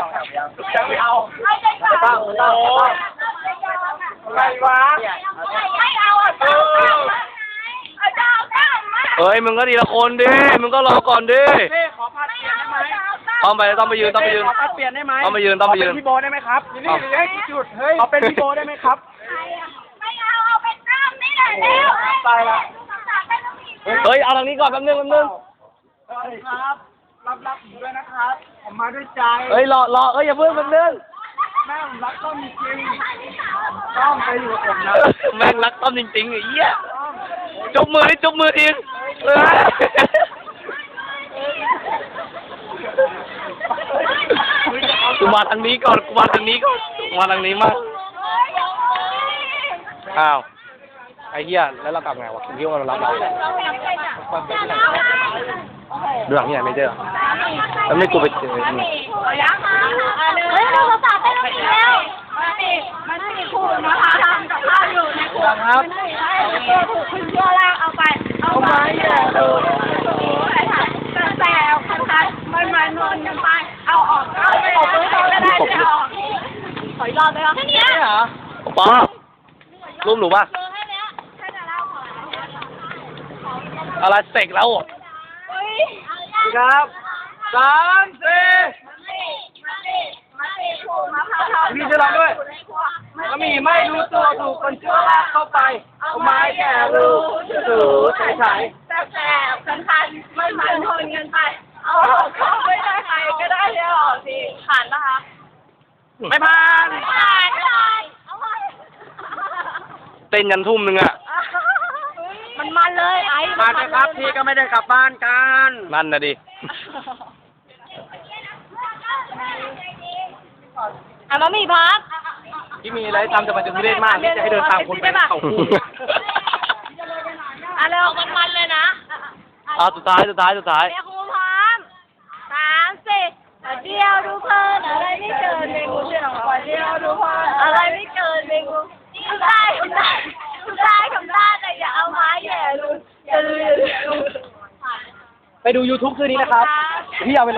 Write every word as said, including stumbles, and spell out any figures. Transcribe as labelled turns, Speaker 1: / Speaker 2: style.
Speaker 1: ยังไม่เอาไม่ต้องไม่ต้องอะไรวะไม่เอาอ่ะเออ
Speaker 2: เฮ้ยมึงก็ดีละคนดิมึงก็รอก่อนดิ
Speaker 1: เฮ้ขอพัดเปลี่ยนได้ไหม
Speaker 2: ต้องไปต้องไปยืนต้องไปยืน
Speaker 1: ขอพัดเปลี่ยนได้ไหม
Speaker 2: ต้องไปยืนต้องไปยืน
Speaker 1: เป็นพี่โบได้ไหมครับนี่นี่ให้จุดเฮ้ยขอเป็นพี่โบได้ไหมครับไม่เอาเอาเป็นน้ำนี่แหละเร็วไปละ
Speaker 2: เฮ้ยเอาทางนี้ก่อนแป๊บนึงแป๊บนึง
Speaker 1: สวัสดีครับรับรับผมด้วยนะครับผมมาด้วยใจ
Speaker 2: เฮ้ยรอรอเอ้ยอย่าเพิ่งแป๊บนึง
Speaker 1: แม่ผมรักต้อมจริงต้อมไปอยู่กับผมนะ
Speaker 2: แม่งรักต้อมจริงๆไอ้เหี้ยจบมือดิจบมือทีเออกูมาทางนี้ก่อนกูมาทางนี้ก่อนกูมาทางนี้มากอ้าวไอ้เหี้ยแล้วเรากลับไงวะคุณคิดว่าเรารับเราดูหลังที่ไหนไม่เจอแล้วไม่กูไปเจอนี่
Speaker 3: เฮ้ยเราสาดได้แล้วมีแล้วมันมีมันมีขูดนะคะทำกับข้าวอยู่ในขวดครับตัวถูกคุณชั่วล่างเอาไปเอาไปอย่าดูดูไอ้ค่ะแต่แต่คันคันมันมันนอนกันไปเอาออกเอาไปออกตัวก็ได้ไม่ออกขออีกรอบเลยค่ะแค่นี้เหรอ
Speaker 2: ปอรูปหนูป่ะอะไรเสกแล้ว
Speaker 1: ครับสามสี่พี่จะร้องด้วยก็มีไม่รู้ตัวถูกคนชั่วลากเข้าไปเอาไม้แก่รู้ถูใส่ใส่แต่แต่คันคันไม่มันทนกันไปเอาออกเข้าไม่ได้ใครก็ได้เดี๋ยวออกทีผ่านปะคะ
Speaker 2: ไม่ผ่าน
Speaker 3: ไม่ผ่านไม่ผ่านเอาไป
Speaker 2: เต้นยันทุ่มหนึ่งอะ
Speaker 3: มันมันเลยไอ้
Speaker 1: มาเลยครับพี่ก็ไม่ได้กลับบ้านกัน
Speaker 2: นั่นนะดิ
Speaker 3: อ่ะมามีพัก
Speaker 1: ที่มีอะไรทำจะมาถึงเล่นมากที่จะให้เดินตามคนไปเข้าคู่
Speaker 3: อ่ะเร็วมันมันเลยนะ
Speaker 2: เอาสุดท้ายสุดท้ายสุดท้าย
Speaker 3: เดี๋ยวครูพร้อมสามสี่เดียวดูเพลินอะไรไม่เกินเมงูเชื่อของเดียวดูเพลินอะไรไม่เกินเมงูทำได้ทำได้ทำได้ทำได้แต่อย่าเอาไม้แย่ลุนอย่าลุนอย่าลุน
Speaker 1: ไปดู ยูทูบ คืนนี้นะครับพี่เอาไป